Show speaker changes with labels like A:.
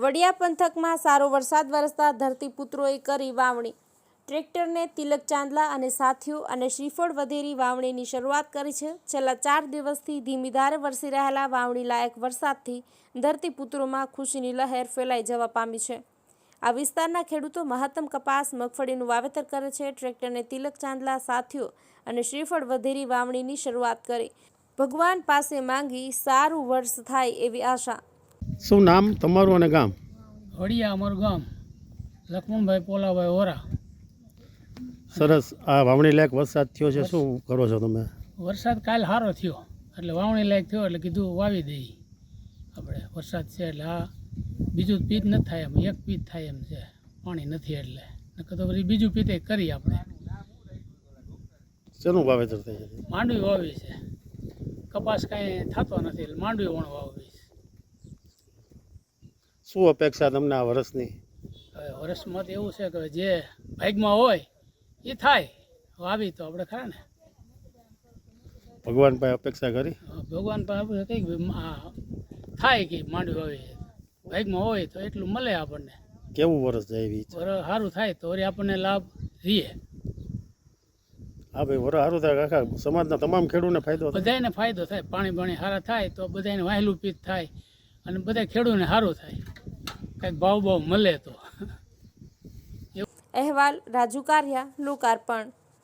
A: વડિયા પંથકમાં સારો વરસાદ વરસતા ધરતીપુત્રોએ કરી વાવણી। ટ્રેક્ટરને તિલક ચાંદલા અને સાથીઓ અને શ્રીફળ વધેરી વાવણીની શરૂઆત કરી છે। છેલ્લા 4 દિવસથી ધીમી ધારે વરસી રહેલા વાવણી લાયક વરસાદથી ધરતીપુત્રોમાં ખુશીની લહેર ફેલાઈ જવા પામી છે। આ વિસ્તારના ખેડૂતો મહત્તમ કપાસ મગફળીનું વાવેતર કરે છે। ટ્રેક્ટરને તિલક ચાંદલા સાથીઓ અને શ્રીફળ વધેરી વાવણીની શરૂઆત કરી ભગવાન પાસે માંગી સારું વર્ષ થાય એવી આશા।
B: શું નામ તમારું અને ગામ?
C: વડિયા અમારું ગામ, લક્ષ્મણભાઈ પોલાભાઈ ઓરા।
B: સરસ, આ વાવણી લાયક વરસાદ થયો છે, શું કરો છો તમે?
C: વરસાદ કાલ સારો થયો એટલે વાવણી લાયક થયો એટલે કીધું વાવી દઈએ આપણે। વરસાદ છે એટલે આ બીજું પીત નથી થાય એમ, એક પીત થાય એમ છે, પાણી નથી એટલે નકર તો પછી બીજું પીતે કરી આપણે।
B: શેનું વાવેતર થાય છે?
C: માંડવી વાવી છે, કપાસ કાંઈ થતો નથી એટલે માંડવી વણ વાવી છે।
B: શું અપેક્ષા તમને આ વર્ષની?
C: હવે વર્ષમાં તો એવું છે કે જે ભાગમાં હોય એ થાય, વાવી તો આપણે ખરા ને।
B: ભગવાન પાસે અપેક્ષા કરી?
C: ભગવાન પાસે કંઈક થાય કે માંડવી વાવી ભાગમાં હોય તો એટલું મળે આપણને।
B: કેવું વર્ષ જાય એવી ઈચ્છા?
C: વરસ સારું થાય તો વળી આપણને લાભ રહીએ।
B: હા ભાઈ, વરસ સારું થાય, આખા સમાજના તમામ ખેડૂતને ફાયદો થાય।
C: બધાને ફાયદો થાય, પાણી સારા થાય તો બધાને વાહેલું પીત થાય અને બધા ખેડૂતને સારું થાય, કંઈક ભાવ મળે તો।
A: અહેવાલ રાજુ કારિયા, લોકાર્પણ।